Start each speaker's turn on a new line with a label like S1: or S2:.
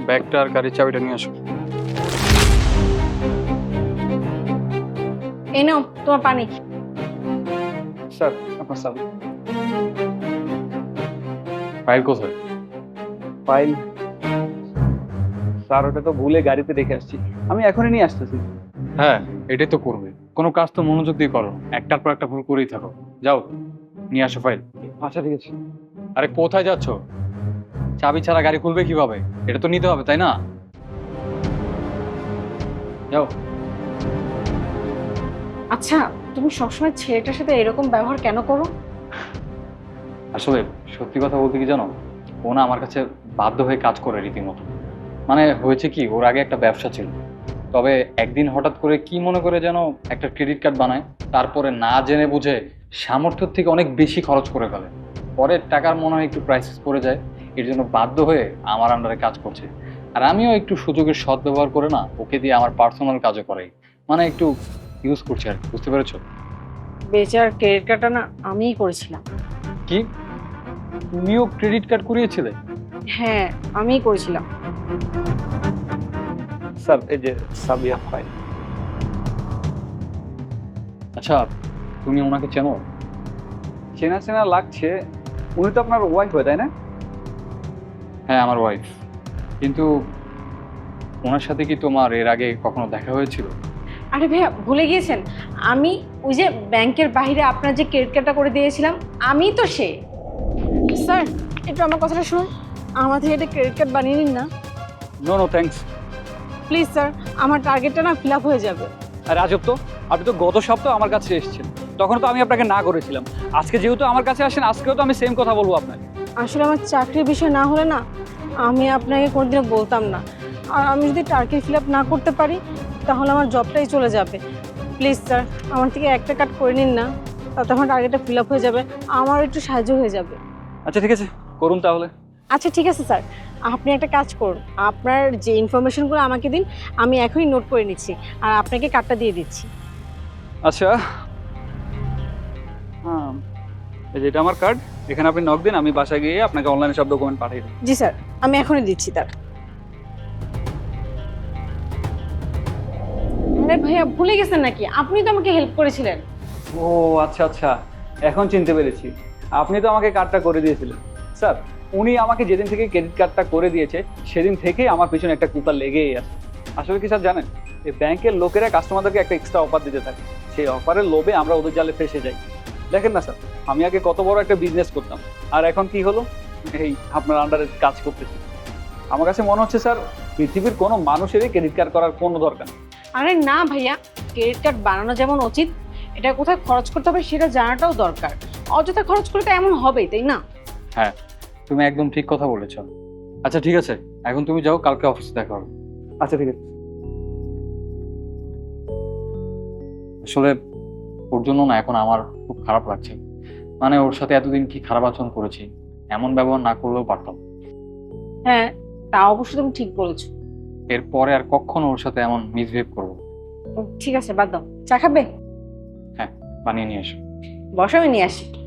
S1: ব্যাগটা আর গাড়ির চাবিটা নিয়ে আসো।
S2: এই নাও তোমার পানি।
S1: স্যার আপনার স্যার ফাইল কোথায়?
S3: ফাইল স্যার ওটা তো ভুলে গাড়িতে রেখে আসছি, আমি এখনই নিয়ে আসতেছি।
S1: হ্যাঁ, এটাই তো করবে। কোনো কাজ তো মনোযোগ দিয়ে করো, একটার পর একটা ভুল করেই থাকো। যাও নিয়ে আসো ফাইল।
S3: আচ্ছা ঠিক আছে।
S1: আরে কোথায় যাচ্ছ? চাবি ছাড়া গাড়ি খুলবে কিভাবে? এটা তো নিতে হবে তাই না? যাও।
S2: আচ্ছা, তুমি সবসময় ছেলেটার সাথে এরকম ব্যবহার কেন করো?
S1: আসলে সত্যি কথা বলতে কি জানো, ও না আমার কাছে বাধ্য হয়ে কাজ করে রীতিমতো। মানে হয়েছে কি, ওর আগে একটা ব্যবসা ছিল, তবে একদিন হঠাৎ করে কি মনে করে যেন একটা ক্রেডিট কার্ড বানায়, তারপরে না জেনে বুঝে সামর্থ্যের থেকে অনেক বেশি খরচ করে ফেলে। পরে টাকার মনে হয় একটু ক্রাইসিস পড়ে যায়, এর জন্য বাধ্য হয়ে আমার আন্ডারে কাজ করছে। আর আমিও একটু সুযোগের সদ্ব্যবহার করে না ওকে দিয়ে আমার পার্সোনাল কাজও করাই, মানে একটু ইউজ করছি আর কি, বুঝতে পেরেছো?
S2: বেচার ক্রেডিট কার্ডটা না আমিই করেছিলাম।
S1: কি, তুমিও ক্রেডিট কার্ড করিয়েছিলে?
S2: হ্যাঁ, আমিই করেছিলাম।
S3: স্যার এই যে সাবিয়া ফাইল।
S1: আচ্ছা, তুমি ওনাকে চেনো?
S3: চেনা চেনা লাগছে, উনি তো আপনার ওয়াইফ হয় তাই না?
S1: হ্যাঁ, আমার ওয়াইফ। কিন্তু ওনার সাথে কি তোমার এর আগে কখনো দেখা হয়েছিল?
S2: আরে ভাইয়া ভুলে গিয়েছেন, আমি ওই যে ব্যাংকের বাইরে আপনার যে ক্রেডিট কার্ডটা করে দিয়েছিলাম, আমি তো সে। স্যার একটু আমার কথাটা শুনুন, আমার থেকে একটা ক্রেডিট কার্ড বানিয়ে নিন না
S3: no no thanks.
S2: Please sir, আমার টার্গেটটা না ফিল আপ হয়ে যাবে।
S3: আর আজব তো, আপনি তো গত সপ্তাহ আমার কাছে এসেছেন, তখন তো আমি আপনাকে না করেছিলাম। আজকে যেহেতু আমার কাছে আসেন, আজকেও তো আমি সেম কথা বলবো আপনাকে।
S2: আসলে আমার চাকরির বিষয় না হলে না আমি আপনাকে কোনোদিনও বলতাম না। আর আমি যদি টার্গেট ফিল আপ না করতে পারি তাহলে আমার জবটাই চলে যাবে। প্লিজ স্যার, আমার থেকে একটা কাট করে নিন না, তাতে আমার টার্গেটটা ফিল আপ হয়ে যাবে, আমার একটু সাহায্য হয়ে যাবে।
S3: আচ্ছা ঠিক আছে, করুন তাহলে।
S2: আচ্ছা ঠিক আছে স্যার, আপনি একটা কাজ করুন, আপনার যে ইনফরমেশনগুলো আমাকে দিন, আমি এখনই নোট করে নিচ্ছি আর আপনাকে কার্ডটা দিয়ে দিচ্ছি।
S3: আচ্ছা হ্যাঁ, এই যে এটা আমার কার্ড, এখানে আপনি নক দিন, আমি বাসায় গিয়ে আপনাকে অনলাইনে সব ডকুমেন্ট পাঠিয়ে দিই।
S2: জি স্যার, আমি এখনই দিচ্ছি তার। আরে ভাইয়া ভুলে গেছেন নাকি? আপনি তো আমাকে হেল্প করেছিলেন।
S3: ও আচ্ছা আচ্ছা, এখন চিনতে পেরেছি, আপনি তো আমাকে কার্ডটা করে দিয়েছিলেন। স্যার উনি আমাকে যেদিন থেকে ক্রেডিট কার্ডটা করে দিয়েছে সেদিন থেকেই আমার পিছনে একটা কুকার লেগেই আছে। আসলে কি স্যার জানেন, এই ব্যাংকের লোকেরা কাস্টমারদেরকে একটা এক্সট্রা অফার দিতে থাকে, সেই অফারের লোভে আমরা ওদের জালে ফেসে যাই। দেখেন না স্যার, আমি আগে কত বড় একটা বিজনেস করতাম, আর এখন কি হলো, এই আপনার আন্ডারে কাজ করতেছি। আমার কাছে মনে হচ্ছে স্যার, পৃথিবীর কোনো মানুষেরই ক্রেডিট কার্ড করার কোনো দরকার নেই।
S2: আরে না ভাইয়া, ক্রেডিট কার্ড বানানো যেমন উচিত, এটা কোথায় খরচ করতে হবে সেটা জানাটাও দরকার। অযথা খরচ করলে তো এমন হবেই, তাই না?
S1: হ্যাঁ, তুমি একদম ঠিক কথা বলেছো। আচ্ছা ঠিক আছে, এখন তুমি যাও, কালকে অফিসে দেখা হবে।
S3: আচ্ছা ঠিক আছে।
S1: আসলে ওর জন্য না এখন আমার খুব খারাপ লাগছে। মানে ওর সাথে এতদিন কি খারাপ আচরণ করেছি, এমন ব্যবহার না করলেও পারতাম।
S2: হ্যাঁ, তা অবশ্য তুমি ঠিক বলেছো।
S1: এরপরে আর কখনো ওর সাথে এমন মিসবিহেভ করবো না।
S2: ঠিক আছে, বাদ দাও। চা খাবে?
S1: হ্যাঁ, বানিয়ে নিয়ে এসো।
S2: বসো, আমি নিয়ে আসি।